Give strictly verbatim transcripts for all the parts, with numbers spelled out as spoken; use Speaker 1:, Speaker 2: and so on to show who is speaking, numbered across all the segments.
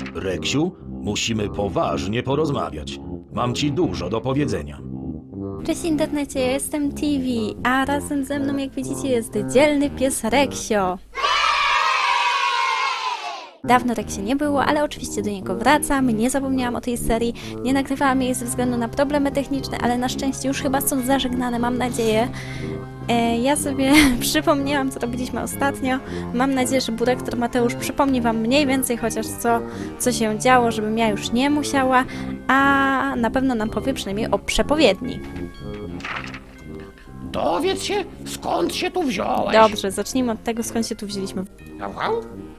Speaker 1: Reksiu, musimy poważnie porozmawiać. Mam ci dużo do powiedzenia.
Speaker 2: Cześć internecie, ja jestem T V, a razem ze mną, jak widzicie, jest dzielny pies Reksio. Dawno Reksia nie było, ale oczywiście do niego wracam. Nie zapomniałam o tej serii, nie nagrywałam jej ze względu na problemy techniczne, ale na szczęście już chyba są zażegnane, mam nadzieję. E, ja sobie przypomniałam, co robiliśmy ostatnio. Mam nadzieję, że Burektor Mateusz przypomni wam mniej więcej chociaż co, co się działo, żebym ja już nie musiała, a na pewno nam powie przynajmniej o przepowiedni.
Speaker 3: Dowiedz się, skąd się tu wziąłeś.
Speaker 2: Dobrze, zacznijmy od tego, skąd się tu wzięliśmy.
Speaker 3: Au, au.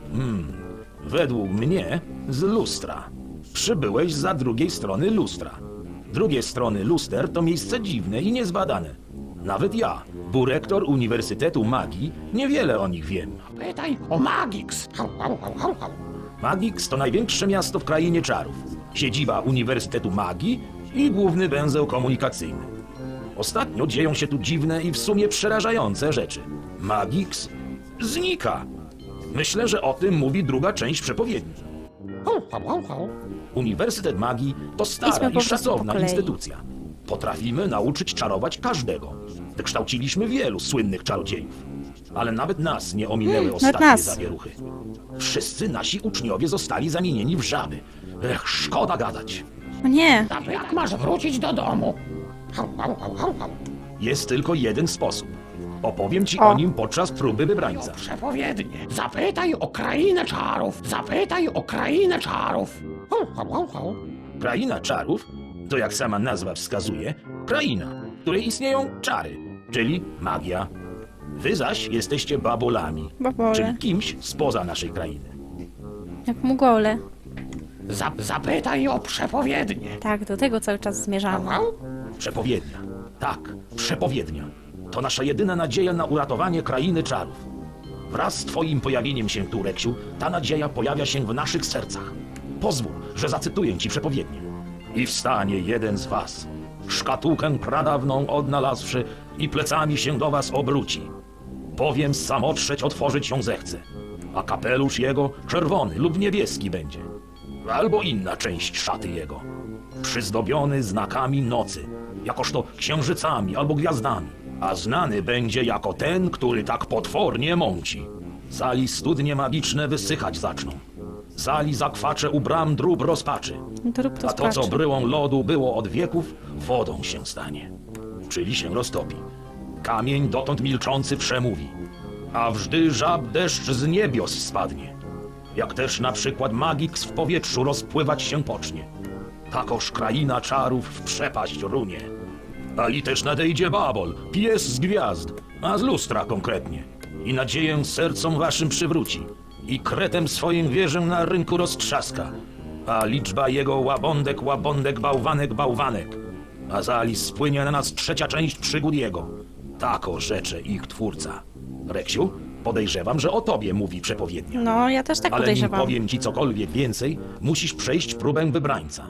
Speaker 1: Według mnie z lustra. Przybyłeś za drugiej strony lustra. Drugie strony luster to miejsce dziwne i niezbadane. Nawet ja, burektor Uniwersytetu Magii, niewiele o nich wiem.
Speaker 3: Pytaj o Magix. Au, au, au, au, au.
Speaker 1: Magix to największe miasto w krainie czarów. Siedziba Uniwersytetu Magii i główny węzeł komunikacyjny. Ostatnio dzieją się tu dziwne i w sumie przerażające rzeczy. Magix znika. Myślę, że o tym mówi druga część przepowiedni.
Speaker 3: Au, au, au, au.
Speaker 1: Uniwersytet Magii to
Speaker 2: Idźmy
Speaker 1: stara
Speaker 2: po
Speaker 1: i
Speaker 2: prostu
Speaker 1: szacowna
Speaker 2: po kolei.
Speaker 1: instytucja. Potrafimy nauczyć czarować każdego. Wykształciliśmy wielu słynnych czarodziejów. Ale nawet nas nie ominęły ostatnie
Speaker 2: nas.
Speaker 1: zawieruchy. Wszyscy nasi uczniowie zostali zamienieni w żaby. Ech, szkoda gadać.
Speaker 2: O nie,
Speaker 3: Zapytaj, jak masz wrócić do domu. Au, au, au, au, au.
Speaker 1: Jest tylko jeden sposób. Opowiem ci
Speaker 2: O.
Speaker 1: o nim podczas próby wybrańca.
Speaker 3: Przepowiednie. Zapytaj o krainę czarów. Zapytaj o krainę czarów. Au, au, au, au.
Speaker 1: Kraina czarów to, jak sama nazwa wskazuje, kraina, w której istnieją czary, czyli magia. Wy zaś jesteście babolami,
Speaker 2: Babole.
Speaker 1: czyli kimś spoza naszej krainy.
Speaker 2: jak mugole.
Speaker 3: Zap, zapytaj o przepowiednie.
Speaker 2: Tak, do tego cały czas
Speaker 3: Au,
Speaker 2: zmierzamy.
Speaker 3: au.
Speaker 1: Przepowiednia. Tak, przepowiednia. To nasza jedyna nadzieja na uratowanie krainy czarów. Wraz z twoim pojawieniem się tu, Reksiu, ta nadzieja pojawia się w naszych sercach. Pozwól, że zacytuję ci przepowiednię. I wstanie jeden z was, szkatułkę pradawną odnalazłszy i plecami się do was obróci. Bowiem samotrzeć otworzyć ją zechce, a kapelusz jego czerwony lub niebieski będzie. Albo inna część szaty jego, przyzdobiony znakami nocy, jakoż to księżycami albo gwiazdami, a znany będzie jako ten, który tak potwornie mąci. Zali studnie magiczne wysychać zaczną. Zali zakwacze u bram drób rozpaczy.
Speaker 2: To rób to
Speaker 1: A to, co
Speaker 2: sprawdź.
Speaker 1: bryłą lodu było od wieków, wodą się stanie, czyli się roztopi. Kamień dotąd milczący przemówi, a wżdy żab deszcz z niebios spadnie. Jak też na przykład Magix w powietrzu rozpływać się pocznie. Takoż kraina czarów w przepaść runie. A i też nadejdzie Babol, pies z gwiazd, a z lustra konkretnie. I nadzieję sercom waszym przywróci. I kretem swoim wieżę na rynku roztrzaska. A liczba jego łabądek, łabądek, bałwanek, bałwanek. A zali spłynie na nas trzecia część przygód jego. Tako rzecze ich twórca. Reksiu, podejrzewam, że o tobie mówi przepowiednia.
Speaker 2: No, ja też tak
Speaker 1: Ale nim
Speaker 2: podejrzewam.
Speaker 1: powiem ci cokolwiek więcej, musisz przejść próbę wybrańca.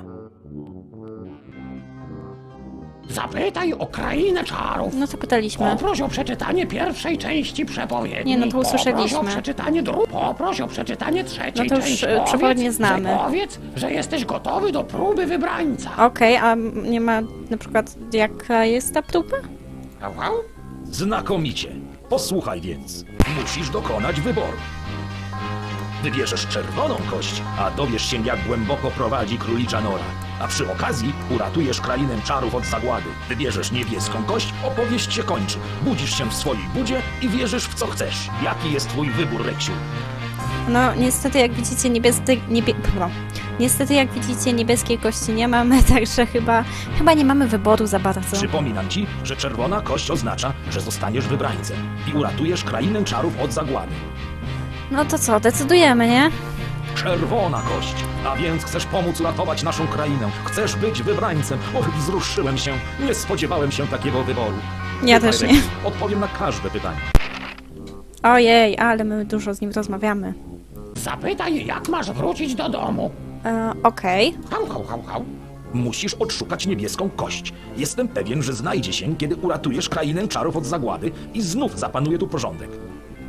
Speaker 3: Zapytaj o krainę czarów.
Speaker 2: No to pytaliśmy.
Speaker 3: Poproś o przeczytanie pierwszej części przepowiedni.
Speaker 2: Nie, no to usłyszeliśmy.
Speaker 3: Poproś o przeczytanie drugiej. Poproś o przeczytanie trzeciej
Speaker 2: No to już,
Speaker 3: części.
Speaker 2: e, przepowiednie
Speaker 3: Powiedz,
Speaker 2: znamy.
Speaker 3: Że powiedz, że jesteś gotowy do próby wybrańca.
Speaker 2: Okej, a nie ma na przykład jaka jest ta próba?
Speaker 3: Au, au.
Speaker 1: Znakomicie. Posłuchaj więc. Musisz dokonać wyboru. Wybierzesz czerwoną kość, a dowiesz się, jak głęboko prowadzi królicza nora. A przy okazji uratujesz krainę czarów od zagłady. Wybierzesz niebieską kość, opowieść się kończy. Budzisz się w swojej budzie i wierzysz w co chcesz. Jaki jest twój wybór, Reksiu?
Speaker 2: No, niestety jak widzicie niebieskie... Niebie... no. Niestety jak widzicie niebieskiej kości nie mamy, także chyba... Chyba nie mamy wyboru za bardzo.
Speaker 1: Przypominam ci, że czerwona kość oznacza, że zostaniesz wybrańcem i uratujesz krainę czarów od zagłady.
Speaker 2: No to co, decydujemy, nie?
Speaker 1: Czerwona kość, a więc chcesz pomóc ratować naszą krainę. Chcesz być wybrańcem. Och, wzruszyłem się. Nie spodziewałem się takiego wyboru.
Speaker 2: Ja
Speaker 1: Słuchaj,
Speaker 2: też nie.
Speaker 1: Reksiu, odpowiem na każde pytanie.
Speaker 2: Ojej, ale my dużo z nim rozmawiamy.
Speaker 3: Zapytaj, jak masz wrócić do domu.
Speaker 2: E, Okej.
Speaker 3: Hał, hał, hał, hał.
Speaker 1: Musisz odszukać niebieską kość. Jestem pewien, że znajdzie się, kiedy uratujesz krainę czarów od zagłady i znów zapanuje tu porządek.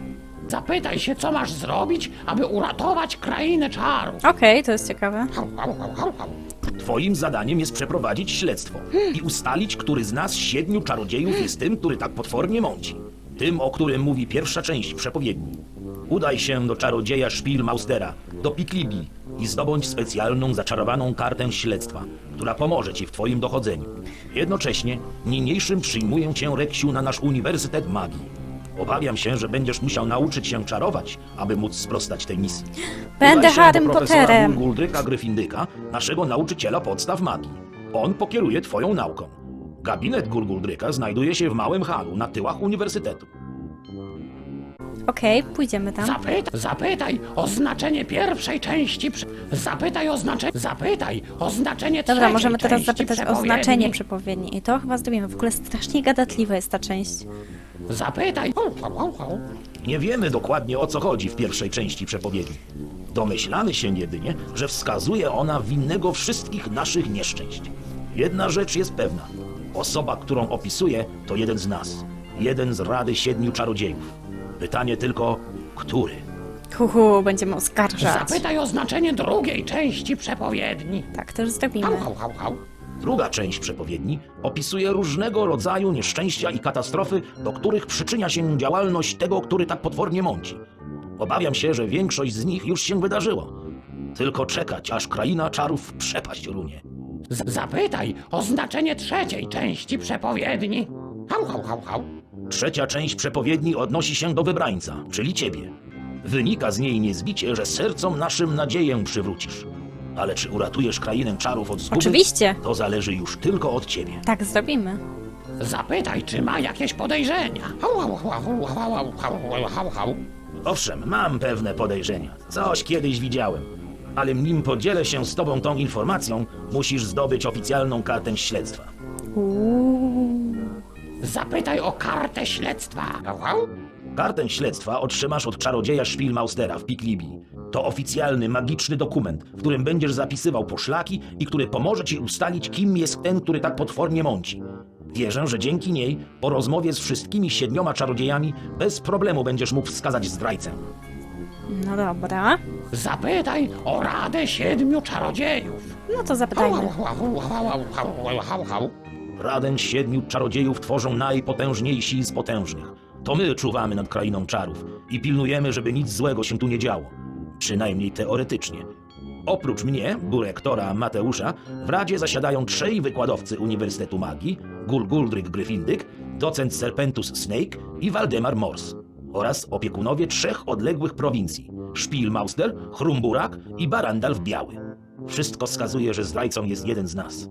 Speaker 3: Zapytaj się, co masz zrobić, aby uratować krainę czarów.
Speaker 2: Okej, to jest ciekawe.
Speaker 3: Hał, hał, hał, hał, hał.
Speaker 1: Twoim zadaniem jest przeprowadzić śledztwo i ustalić, który z nas siedmiu czarodziejów jest tym, który tak potwornie mąci. Tym, o którym mówi pierwsza część przepowiedni. Udaj się do czarodzieja Spielmaustera, do Piklibii i zdobądź specjalną, zaczarowaną kartę śledztwa, która pomoże ci w twoim dochodzeniu. Jednocześnie niniejszym przyjmuję cię, Reksiu, na nasz Uniwersytet Magii. Obawiam się, że będziesz musiał nauczyć się czarować, aby móc sprostać tej misji.
Speaker 2: Będę
Speaker 1: Udaj się
Speaker 2: Harrym
Speaker 1: do profesora
Speaker 2: Potterem.
Speaker 1: Gulguldryka Gryfindyka, naszego nauczyciela podstaw magii. On pokieruje twoją nauką. Gabinet Gulguldryka znajduje się w małym halu na tyłach uniwersytetu.
Speaker 2: Okej, pójdziemy tam.
Speaker 3: Zapytaj, zapytaj o znaczenie pierwszej części. Przy... Zapytaj o znaczenie. Zapytaj o znaczenie trzeciej
Speaker 2: Dobra, możemy teraz
Speaker 3: części
Speaker 2: zapytać o
Speaker 3: przepowiedni.
Speaker 2: znaczenie przepowiedni. I to chyba zrobimy. W ogóle strasznie gadatliwa jest ta część.
Speaker 3: Zapytaj. Hał, hał, hał, hał.
Speaker 1: Nie wiemy dokładnie, o co chodzi w pierwszej części przepowiedni. Domyślamy się jedynie, że wskazuje ona winnego wszystkich naszych nieszczęść. Jedna rzecz jest pewna. Osoba, którą opisuje, to jeden z nas. Jeden z Rady Siedmiu Czarodziejów. Pytanie tylko, który?
Speaker 2: Huhu, będziemy oskarżać.
Speaker 3: Zapytaj o znaczenie drugiej części przepowiedni.
Speaker 2: Tak, też zrobimy.
Speaker 3: Hał, hał, hał, hał.
Speaker 1: Druga część przepowiedni opisuje różnego rodzaju nieszczęścia i katastrofy, do których przyczynia się działalność tego, który tak potwornie mąci. Obawiam się, że większość z nich już się wydarzyło. Tylko czekać, aż kraina czarów w przepaść runie.
Speaker 3: Z- Zapytaj o znaczenie trzeciej części przepowiedni. Hał, hał, hał, hał.
Speaker 1: Trzecia część przepowiedni odnosi się do wybrańca, czyli ciebie. Wynika z niej niezbicie, że sercom naszym nadzieję przywrócisz. Ale czy uratujesz krainę czarów od zguby?
Speaker 2: Oczywiście.
Speaker 1: To zależy już tylko od ciebie.
Speaker 2: Tak zrobimy.
Speaker 3: Zapytaj, czy ma jakieś podejrzenia. Hał, hał, hał, hał, hał, hał, hał, hał, hał.
Speaker 1: Owszem, mam pewne podejrzenia. Coś kiedyś widziałem. Ale nim podzielę się z tobą tą informacją, musisz zdobyć oficjalną kartę śledztwa.
Speaker 2: Uuu.
Speaker 3: Zapytaj o kartę śledztwa. Hał, hał.
Speaker 1: Kartę śledztwa otrzymasz od czarodzieja Spielmaustera w Piklibii. To oficjalny, magiczny dokument, w którym będziesz zapisywał poszlaki i który pomoże ci ustalić, kim jest ten, który tak potwornie mąci. Wierzę, że dzięki niej, po rozmowie z wszystkimi siedmioma czarodziejami, bez problemu będziesz mógł wskazać zdrajcę.
Speaker 2: No dobra.
Speaker 3: Zapytaj o Radę Siedmiu Czarodziejów.
Speaker 2: No to
Speaker 3: Hał,
Speaker 2: zapytajmy.
Speaker 3: hał, hał, hał, hał, hał, hał, hał.
Speaker 1: Radę Siedmiu Czarodziejów tworzą najpotężniejsi z potężnych. To my czuwamy nad krainą czarów i pilnujemy, żeby nic złego się tu nie działo. Przynajmniej teoretycznie. Oprócz mnie, burektora Mateusza, w Radzie zasiadają trzej wykładowcy Uniwersytetu Magii, Gulguldryk Gryfindyk, docent Serpentus Snake i Waldemar Mors, oraz opiekunowie trzech odległych prowincji, Spielmauster, Chrumburak i Barandalf Biały. Wszystko wskazuje, że zdrajcą jest jeden z nas.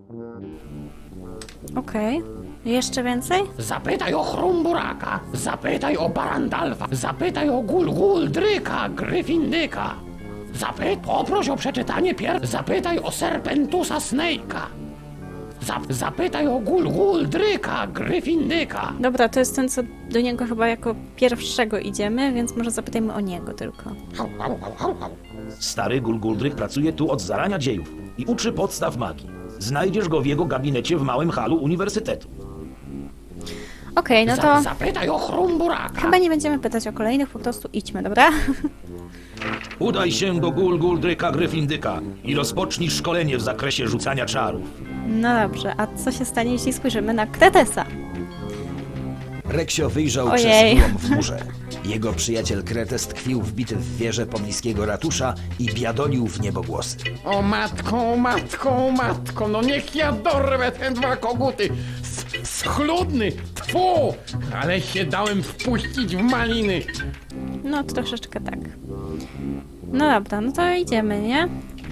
Speaker 2: Okej. Jeszcze więcej?
Speaker 3: Zapytaj o Chrumburaka. Zapytaj o Barandalfa. Zapytaj o Gulguldryka Gryfindyka. Zapy... Poproś o przeczytanie pier... Zapytaj o Serpentusa Snake'a. Zap... Zapytaj o Gulguldryka Gryfindyka.
Speaker 2: Dobra, to jest ten, co do niego chyba jako pierwszego idziemy, więc może zapytajmy o niego tylko.
Speaker 3: Hał, hał, hał, hał, hał.
Speaker 1: Stary Gulguldryk pracuje tu od zarania dziejów i uczy podstaw magii. Znajdziesz go w jego gabinecie w małym halu uniwersytetu.
Speaker 2: Okej, no
Speaker 3: Za-
Speaker 2: to
Speaker 3: Zapytaj o Chrumburaka.
Speaker 2: chyba nie będziemy pytać o kolejnych, po prostu idźmy, dobra?
Speaker 1: Udaj się do Gulguldryka Gryfindyka i rozpocznij szkolenie w zakresie rzucania czarów.
Speaker 2: No dobrze, a co się stanie, jeśli spojrzymy na Kretesa?
Speaker 4: Reksio wyjrzał
Speaker 2: Ojej.
Speaker 4: przez wyłom w murze. Jego przyjaciel Kretes tkwił wbity w wieżę pobliskiego ratusza i biadolił w niebogłosy.
Speaker 5: O matko, o matko, o matko, no niech ja dorwę te dwa koguty! S- Schludny, tfu! Ale się dałem wpuścić w maliny!
Speaker 2: No troszeczkę tak. No dobra, no to idziemy, nie?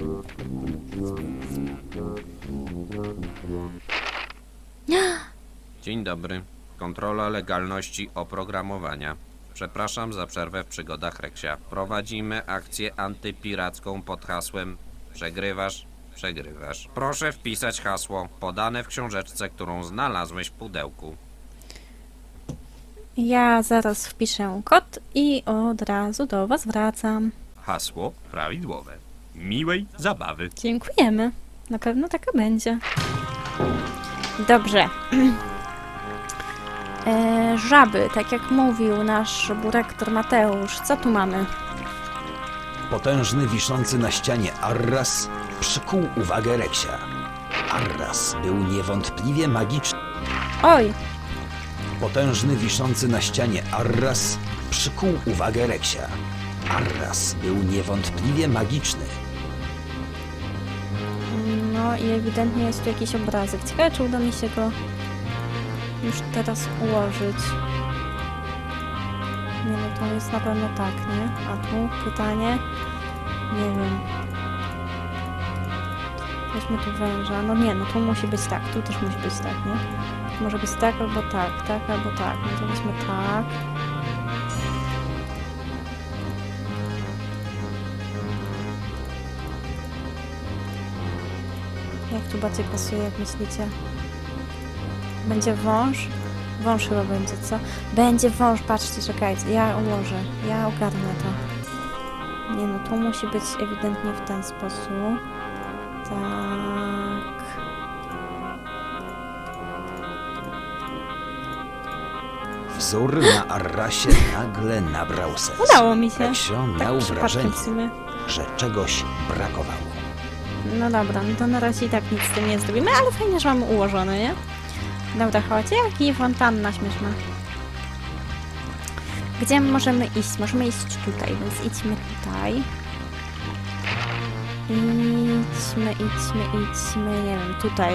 Speaker 6: Dzień dobry. Kontrola legalności oprogramowania. Przepraszam za przerwę w przygodach Reksia. Prowadzimy akcję antypiracką pod hasłem Przegrywasz, przegrywasz. Proszę wpisać hasło podane w książeczce, którą znalazłeś w pudełku.
Speaker 2: Ja zaraz wpiszę kod i od razu do was wracam.
Speaker 6: Hasło prawidłowe. Miłej zabawy.
Speaker 2: Dziękujemy. Na pewno taka będzie. Dobrze. E, żaby, tak jak mówił nasz burektor Mateusz. Co tu mamy?
Speaker 4: Potężny, wiszący na ścianie Arras przykuł uwagę Reksia. Arras był niewątpliwie magiczny.
Speaker 2: Oj,
Speaker 4: Potężny, wiszący na ścianie Arras przykuł uwagę Reksia. Arras był niewątpliwie magiczny.
Speaker 2: no i ewidentnie jest tu jakiś obrazek. Ciekawe, czy uda mi się go już teraz ułożyć. Nie no, to jest na pewno tak, nie? A tu pytanie? Nie wiem. Weźmy tu węża. No nie, no tu musi być tak. Tu też musi być tak, nie? Może być tak albo tak, tak albo tak. No to weźmy tak. Jak tu bardziej pasuje, jak myślicie? Będzie wąż? Wąż chyba będzie, co? Będzie wąż, patrzcie, czekajcie, ja ułożę, ja ogarnę to. Nie no, tu musi być ewidentnie w ten sposób. Tak.
Speaker 4: Wzór na Arrasie nagle nabrał sens.
Speaker 2: Udało mi się.
Speaker 4: Reksio miał
Speaker 2: Tak przypadkiem
Speaker 4: wrażenie,
Speaker 2: w sumie.
Speaker 4: że czegoś brakowało.
Speaker 2: No dobra, no to na razie i tak nic z tym nie zrobimy, ale fajnie, że mamy ułożone, nie? Dobra, chodź, jaki fontanna śmieszna. Gdzie możemy iść? Możemy iść tutaj, więc idźmy tutaj. Idźmy, idźmy, idźmy, nie wiem, tutaj.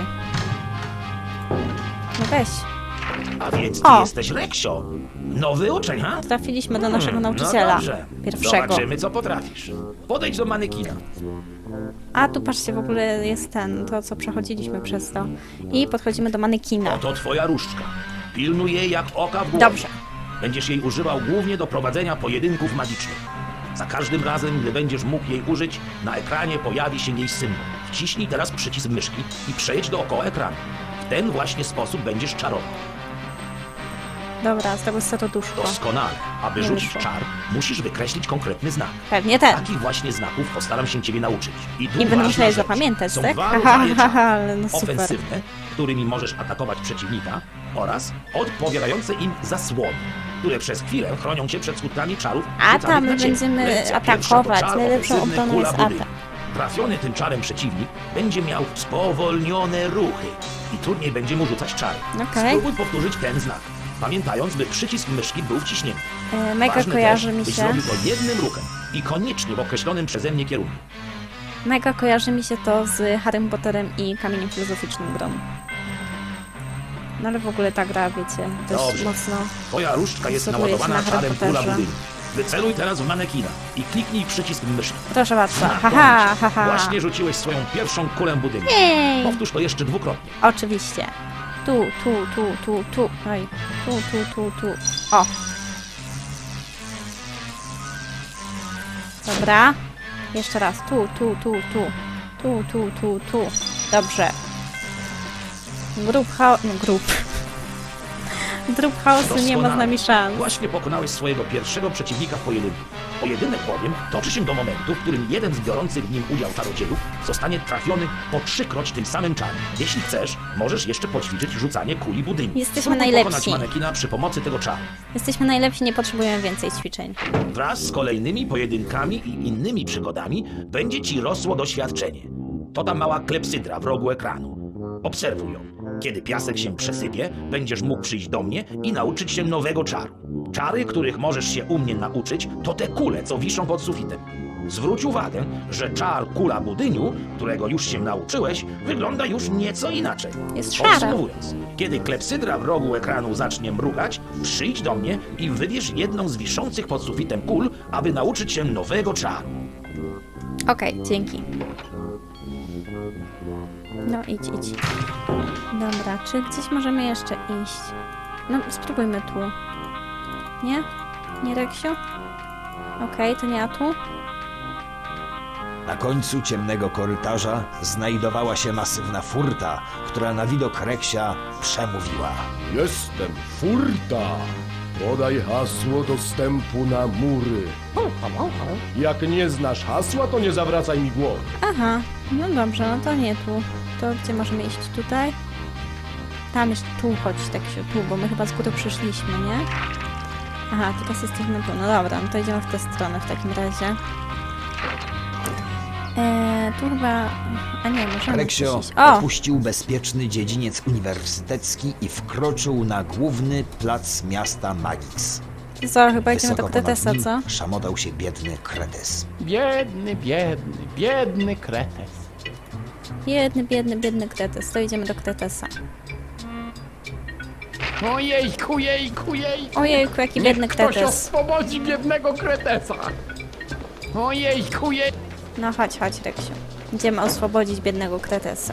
Speaker 2: No weź,
Speaker 1: A więc ty
Speaker 2: O!
Speaker 1: jesteś Reksio. Nowy uczeń, ha?
Speaker 2: trafiliśmy do naszego
Speaker 1: Hmm,
Speaker 2: nauczyciela.
Speaker 1: No dobrze.
Speaker 2: Pierwszego.
Speaker 1: Zobaczymy, co potrafisz. Podejdź do manekina.
Speaker 2: A tu patrzcie, w ogóle jest ten, to co przechodziliśmy przez to. I podchodzimy do manekina.
Speaker 1: Oto twoja różdżka. Pilnuj jej jak oka w głowie.
Speaker 2: Dobrze.
Speaker 1: Będziesz jej używał głównie do prowadzenia pojedynków magicznych. Za każdym razem, gdy będziesz mógł jej użyć, na ekranie pojawi się jej symbol. Wciśnij teraz przycisk myszki i przejedź dookoła ekranu. W ten właśnie sposób będziesz czarował.
Speaker 2: Dobra, z tego serduszko.
Speaker 1: Doskonale. Aby
Speaker 2: Nie
Speaker 1: rzucić
Speaker 2: wyszło.
Speaker 1: czar, musisz wykreślić konkretny znak.
Speaker 2: Pewnie ten.
Speaker 1: Takich właśnie znaków postaram się ciebie nauczyć. I tu
Speaker 2: Nie będę
Speaker 1: ważna
Speaker 2: musiała je
Speaker 1: rzecz.
Speaker 2: zapamiętać,
Speaker 1: Są
Speaker 2: tak?
Speaker 1: dwa
Speaker 2: Haha,
Speaker 1: rodzaje
Speaker 2: haha,
Speaker 1: czarów.
Speaker 2: ale no super.
Speaker 1: Ofensywne, którymi możesz atakować przeciwnika, oraz odpowiadające im zasłony, które przez chwilę chronią cię przed skutkami czarów.
Speaker 2: A
Speaker 1: rzucanych
Speaker 2: tam
Speaker 1: na
Speaker 2: my
Speaker 1: ciebie.
Speaker 2: będziemy
Speaker 1: Lekcja pierwsza to
Speaker 2: atakować.
Speaker 1: czar
Speaker 2: Najlepszą
Speaker 1: ofensywny
Speaker 2: obroną
Speaker 1: Kula
Speaker 2: jest
Speaker 1: Budyń.
Speaker 2: atak.
Speaker 1: Trafiony tym czarem przeciwnik będzie miał spowolnione ruchy i trudniej będzie mu rzucać czary.
Speaker 2: Okej.
Speaker 1: Spróbuj powtórzyć ten znak, pamiętając, by przycisk myszki był wciśnięty.
Speaker 2: E, mega
Speaker 1: Ważne
Speaker 2: kojarzy
Speaker 1: też,
Speaker 2: mi
Speaker 1: byś
Speaker 2: się.
Speaker 1: zrobił to jednym ruchem i koniecznie w określonym przeze mnie kierunku.
Speaker 2: Mega kojarzy mi się to z Harrym Potterem i Kamieniem Filozoficznym grą. No ale w ogóle ta gra, wiecie, dość
Speaker 1: Dobrze.
Speaker 2: mocno.
Speaker 1: Twoja różdżka jest
Speaker 2: Wzoruje się
Speaker 1: naładowana
Speaker 2: na
Speaker 1: czarem
Speaker 2: Harry
Speaker 1: kula
Speaker 2: Potterze.
Speaker 1: budyń. Wyceluj teraz w manekina i kliknij przycisk myszki.
Speaker 2: Proszę bardzo.
Speaker 1: Na
Speaker 2: Haha,
Speaker 1: końcu.
Speaker 2: haha.
Speaker 1: Właśnie rzuciłeś swoją pierwszą kulę budynku.
Speaker 2: Jej!
Speaker 1: Powtórz to jeszcze dwukrotnie.
Speaker 2: Oczywiście. Tu, tu, tu, tu, tu. Oj. Tu, tu, tu, tu. O. Dobra. Jeszcze raz. Tu, tu, tu, tu. Tu, tu, tu, tu. Dobrze. Grup chaos... No, grup. Grup chaosu nie ma z
Speaker 1: Doskonale.
Speaker 2: nami szans.
Speaker 1: Właśnie pokonałeś swojego pierwszego przeciwnika w pojedynku. Pojedynek bowiem toczy się do momentu, w którym jeden z biorących w nim udział czarodziejów zostanie trafiony po trzykroć tym samym czarem. Jeśli chcesz, możesz jeszcze poćwiczyć rzucanie kuli budynku.
Speaker 2: Jesteśmy
Speaker 1: Spróbuj
Speaker 2: najlepsi.
Speaker 1: pokonać manekina przy pomocy tego czaru.
Speaker 2: Jesteśmy najlepsi, nie potrzebujemy więcej ćwiczeń.
Speaker 1: Wraz z kolejnymi pojedynkami i innymi przygodami będzie ci rosło doświadczenie. To ta mała klepsydra w rogu ekranu. Obserwuj ją. Kiedy piasek się przesypie, będziesz mógł przyjść do mnie i nauczyć się nowego czaru. Czary, których możesz się u mnie nauczyć, to te kule, co wiszą pod sufitem. Zwróć uwagę, że czar kula budyniu, którego już się nauczyłeś, wygląda już nieco inaczej.
Speaker 2: Jest szara.
Speaker 1: Podsumowując, kiedy klepsydra w rogu ekranu zacznie mrugać, przyjdź do mnie i wybierz jedną z wiszących pod sufitem kul, aby nauczyć się nowego czaru.
Speaker 2: Okej, dzięki. No idź, idź. Dobra, czy gdzieś możemy jeszcze iść? No, spróbujmy tu. Nie? Nie, Reksiu? Okej, to nie ja tu.
Speaker 4: Na końcu ciemnego korytarza znajdowała się masywna furta, która na widok Reksia przemówiła.
Speaker 7: Jestem furta. Podaj hasło dostępu na mury. Jak nie znasz hasła, to nie zawracaj mi głowy.
Speaker 2: Aha, no dobrze, no to nie tu. To gdzie możemy iść? Tutaj? tam jeszcze tu chodź, tak się tu, bo my chyba z góry przyszliśmy, nie? Aha, teraz jesteśmy tu. No dobra, no to idziemy w tę stronę w takim razie. Eee, tu chyba... A nie, możemy
Speaker 4: Reksio
Speaker 2: przyjść. O!
Speaker 4: opuścił bezpieczny dziedziniec uniwersytecki i wkroczył na główny plac miasta Magix.
Speaker 2: Co, chyba idziemy do
Speaker 4: Wysoko ponad
Speaker 2: Kretesa,
Speaker 4: nim
Speaker 2: co?
Speaker 4: szamotał się biedny Kretes.
Speaker 5: Biedny, biedny, biedny kretes.
Speaker 2: Biedny, biedny, biedny Kretes. To idziemy do Kretesa.
Speaker 5: Ojejku, jejku, jejku.
Speaker 2: Ojejku, jaki
Speaker 5: Niech
Speaker 2: biedny
Speaker 5: ktoś
Speaker 2: Kretes.
Speaker 5: oswobodzi biednego kretesa. Ojejku, jej.
Speaker 2: No chodź, chodź, Reksiu. Idziemy oswobodzić biednego Kretesa.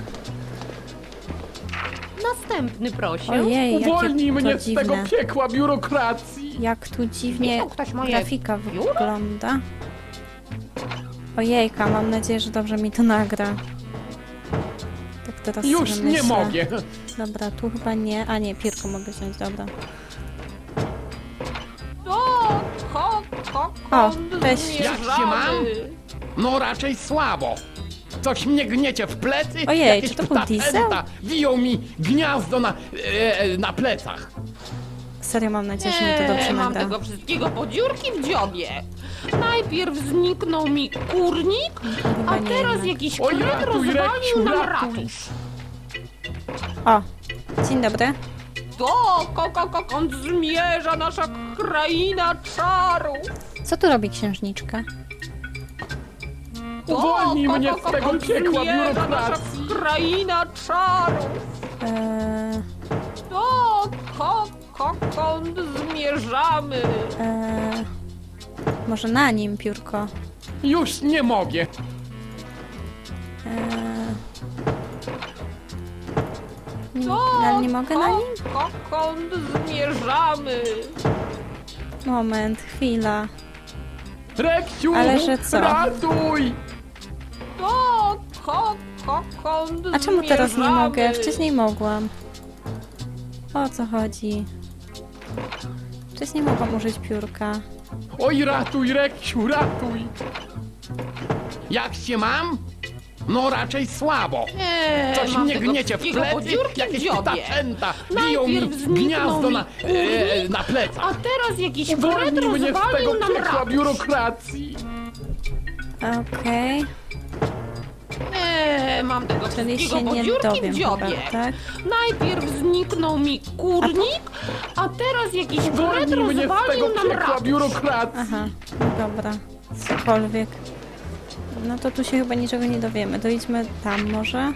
Speaker 8: Następny prosił.
Speaker 2: Ojej, jakie
Speaker 5: Uwolnij
Speaker 2: to
Speaker 5: mnie z tego
Speaker 2: dziwne.
Speaker 5: piekła biurokracji.
Speaker 2: Jak tu dziwnie
Speaker 8: Widział ktoś moje
Speaker 2: grafika
Speaker 8: biuro?
Speaker 2: wygląda. Ojejka, mam nadzieję, że dobrze mi to nagra. Tak teraz
Speaker 5: Już
Speaker 2: sobie
Speaker 5: nie
Speaker 2: myślę.
Speaker 5: mogę.
Speaker 2: Dobra, tu chyba nie. A nie, piórko mogę wziąć, dobra.
Speaker 8: O, ko, ko,
Speaker 2: O,
Speaker 8: kąt
Speaker 2: cześć.
Speaker 5: Jak się mam? No raczej słabo. Coś mnie gniecie w plecy.
Speaker 2: Ojej,
Speaker 5: Jakieś
Speaker 2: czy to był
Speaker 5: ptacęta
Speaker 2: diesel?
Speaker 5: Wiją mi gniazdo na, e, e, na plecach.
Speaker 2: Serio mam nadzieję, że mi to
Speaker 8: Nie,
Speaker 2: dobrze
Speaker 8: mam
Speaker 2: nagra.
Speaker 8: tego wszystkiego po dziurki w dziobie. Najpierw zniknął mi kurnik,
Speaker 2: Chyba
Speaker 8: a
Speaker 2: nie
Speaker 8: teraz
Speaker 2: jednak.
Speaker 8: jakiś
Speaker 5: Oj,
Speaker 8: kret
Speaker 5: ratuj,
Speaker 8: rozwalił
Speaker 5: Reksiu,
Speaker 8: nam
Speaker 5: ratuj.
Speaker 8: ratusz.
Speaker 2: O, dzień dobry.
Speaker 8: To ko, ko, ko, kąd zmierza nasza kraina czarów.
Speaker 2: Co tu robi księżniczka?
Speaker 8: To
Speaker 5: Uwolnij
Speaker 8: ko,
Speaker 5: mnie
Speaker 8: ko,
Speaker 5: z
Speaker 8: ko,
Speaker 5: tego
Speaker 8: kąd
Speaker 5: piekła
Speaker 8: zmierza nasza
Speaker 5: biurokracji.
Speaker 8: kraina czarów.
Speaker 2: Eee,
Speaker 8: To ko, ko, kąd zmierzamy.
Speaker 2: eee, może na nim piórko?
Speaker 5: Już nie mogę.
Speaker 2: Eee, nie,
Speaker 8: To
Speaker 2: ale nie mogę na
Speaker 8: ko,
Speaker 2: nim?
Speaker 8: ko, kąd zmierzamy.
Speaker 2: Moment, chwila.
Speaker 5: Reksiu,
Speaker 2: Ale że co?
Speaker 5: ratuj.
Speaker 8: To ko, ko, kąd
Speaker 2: A czemu teraz nie
Speaker 8: zmierzamy?
Speaker 2: mogę? Wcześniej mogłam. O co chodzi? Wcześniej mogłam użyć piórka.
Speaker 5: Oj, ratuj, Reksiu, ratuj. Jak się mam? No raczej słabo.
Speaker 8: Nie,
Speaker 5: Coś
Speaker 8: mam
Speaker 5: mnie
Speaker 8: tego
Speaker 5: gniecie w
Speaker 8: wszystkiego po
Speaker 5: plecy,
Speaker 8: dziurki w
Speaker 5: jakieś
Speaker 8: dziobie.
Speaker 5: ptacęta biją mi
Speaker 8: Najpierw zniknął
Speaker 5: gniazdo
Speaker 8: mi
Speaker 5: na,
Speaker 8: kurnik,
Speaker 5: e, na plecach.
Speaker 8: A teraz jakiś kret
Speaker 5: Uwolnij mnie z tego
Speaker 8: rozwalił nam
Speaker 5: piekła
Speaker 8: ratusz.
Speaker 5: biurokracji.
Speaker 2: Okej,
Speaker 8: Nie, mam tego
Speaker 2: czyli
Speaker 8: wszystkiego
Speaker 2: się
Speaker 8: po
Speaker 2: nie
Speaker 8: dziurki
Speaker 2: dowiem
Speaker 8: w
Speaker 2: chyba,
Speaker 8: dziobie.
Speaker 2: tak?
Speaker 8: Najpierw zniknął mi kurnik, a teraz jakiś kret
Speaker 5: Uwolnij mnie z tego
Speaker 8: rozwalił nam
Speaker 5: piekła
Speaker 8: ratusz.
Speaker 5: biurokracji.
Speaker 2: Aha, no dobra. Cokolwiek. No to tu się chyba niczego nie dowiemy. To idźmy tam może.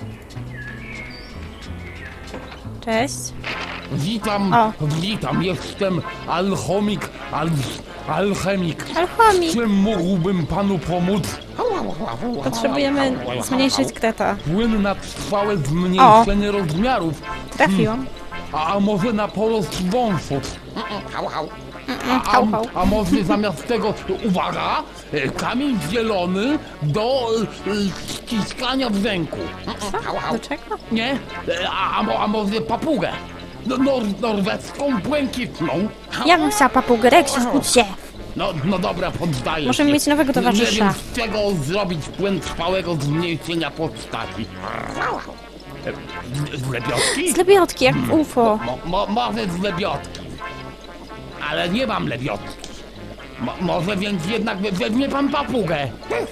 Speaker 2: Cześć.
Speaker 5: Witam,
Speaker 2: O.
Speaker 5: witam, jestem alchomik, al, alchemik.
Speaker 2: Alchomik!
Speaker 5: Czym mógłbym panu pomóc?
Speaker 2: Potrzebujemy zmniejszyć kreta.
Speaker 5: Płyn na trwałe zmniejszenie rozmiarów.
Speaker 2: Trafiłam.
Speaker 5: A, a może na porost wąsów? A,
Speaker 2: Hał,
Speaker 5: a,
Speaker 2: hał.
Speaker 5: a może zamiast tego, uwaga, e, kamień zielony do e, ściskania w ręku.
Speaker 2: Do czego?
Speaker 5: Nie? E, A, a, mo- a może papugę? No, nor, norweską, błękitną.
Speaker 2: Ja bym chciała papugę. Reksiu, zbudź się!
Speaker 5: No, no dobra, poddaję
Speaker 2: Możemy
Speaker 5: się.
Speaker 2: mieć nowego
Speaker 5: Nie
Speaker 2: towarzysza.
Speaker 5: wiem, z czego zrobić płyn trwałego zmniejszenia postaci. E, Z lebiotki?
Speaker 2: Z lebiotki, jak w U F O.
Speaker 5: Mo, mo, może z lebiotki. Ale nie mam lebiotki. Mo, może więc jednak we- weźmie pan papugę.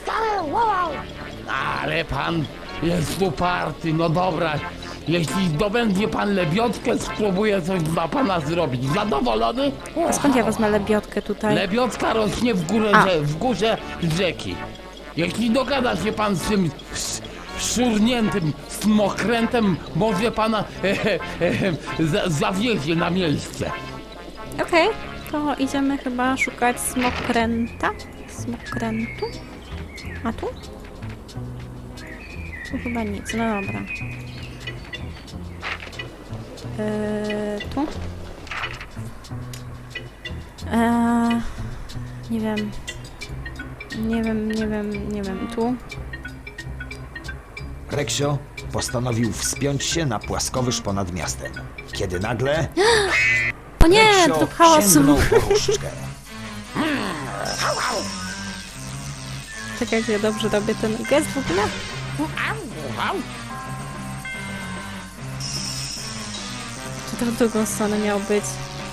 Speaker 5: Ale pan jest uparty, no dobra. Jeśli zdobędzie pan lebiotkę, spróbuję coś dla pana zrobić. Zadowolony?
Speaker 2: A skąd ja wezmę lebiotkę tutaj?
Speaker 5: Lebiotka rośnie w górę,
Speaker 2: A.
Speaker 5: rze- w górze rzeki. Jeśli dogada się pan z tym sz- szurniętym smokrętem, może pana e, e, e, za, zawiezie na miejsce.
Speaker 2: Okej, to idziemy chyba szukać smokręta. Smokrętu? A tu? Tu chyba nic, no dobra. Eee, tu? Eee, nie wiem. Nie wiem, nie wiem, nie wiem. Tu?
Speaker 4: Reksio postanowił wspiąć się na płaskowyż ponad miastem. Kiedy nagle
Speaker 2: O nie,
Speaker 4: Reksio
Speaker 2: tu chaosu.
Speaker 4: sięgnął po różdżkę.
Speaker 2: Czekajcie, dobrze robię ten gest w ogóle? to w drugą stronę miał być.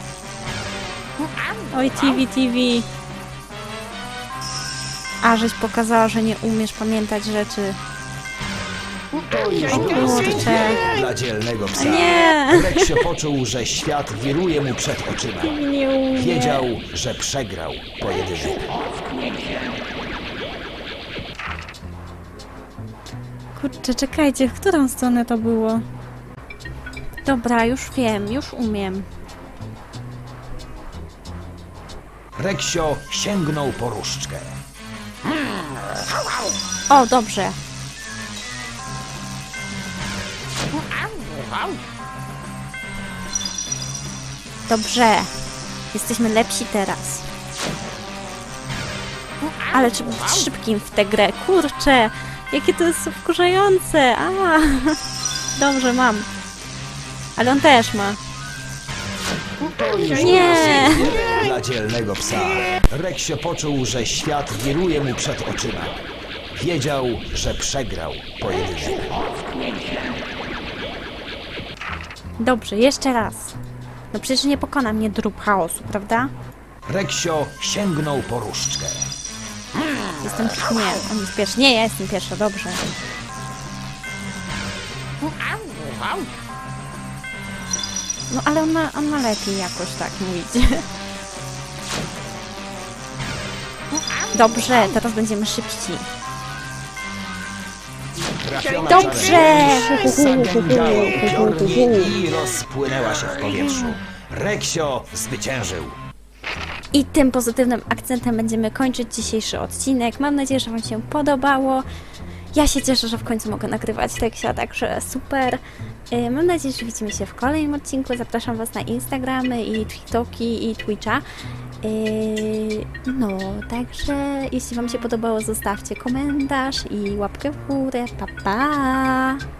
Speaker 2: Oj, T V, T V. A, żeś pokazała, że nie umiesz pamiętać rzeczy.
Speaker 4: To już
Speaker 2: O
Speaker 4: było
Speaker 2: kurczę.
Speaker 4: dla dzielnego psa.
Speaker 2: Nie!
Speaker 4: Reksio poczuł, że świat wiruje mu przed oczyma.
Speaker 2: Nie umiem.
Speaker 4: Wiedział, że przegrał pojedynek.
Speaker 2: Kurczę, czekajcie, w którą stronę to było? Dobra, już wiem, już umiem.
Speaker 4: Reksio sięgnął po różdżkę.
Speaker 2: O, dobrze. Dobrze. Jesteśmy lepsi teraz. Ale trzeba być szybkim w tę grę. Kurczę, jakie to jest wkurzające. A, dobrze, mam. Ale on też ma. Nie!
Speaker 4: Dla dzielnego psa. Reksio poczuł, że świat wiruje mu przed oczyma. Wiedział, że przegrał pojedynek.
Speaker 2: Dobrze, jeszcze raz. No przecież nie pokona mnie drób chaosu, prawda?
Speaker 4: Reksio sięgnął po różdżkę.
Speaker 2: Jestem... Nie, on jest pierwszy. Nie, ja jestem pierwsza, dobrze. No ale on ma, on ma lepiej jakoś tak mówić. Dobrze, teraz będziemy szybci.
Speaker 4: Trafiona
Speaker 2: Dobrze!
Speaker 4: zagęgała upiornie i rozpłynęła się w powietrzu. Reksio zwyciężył.
Speaker 2: I tym pozytywnym akcentem będziemy kończyć dzisiejszy odcinek. Mam nadzieję, że Wam się podobało. Ja się cieszę, że w końcu mogę nagrywać teksia, także super. Yy, Mam nadzieję, że widzimy się w kolejnym odcinku. Zapraszam Was na Instagramy i TikToki i Twitcha. Yy, no, także jeśli Wam się podobało, zostawcie komentarz i łapkę w górę. Pa, pa!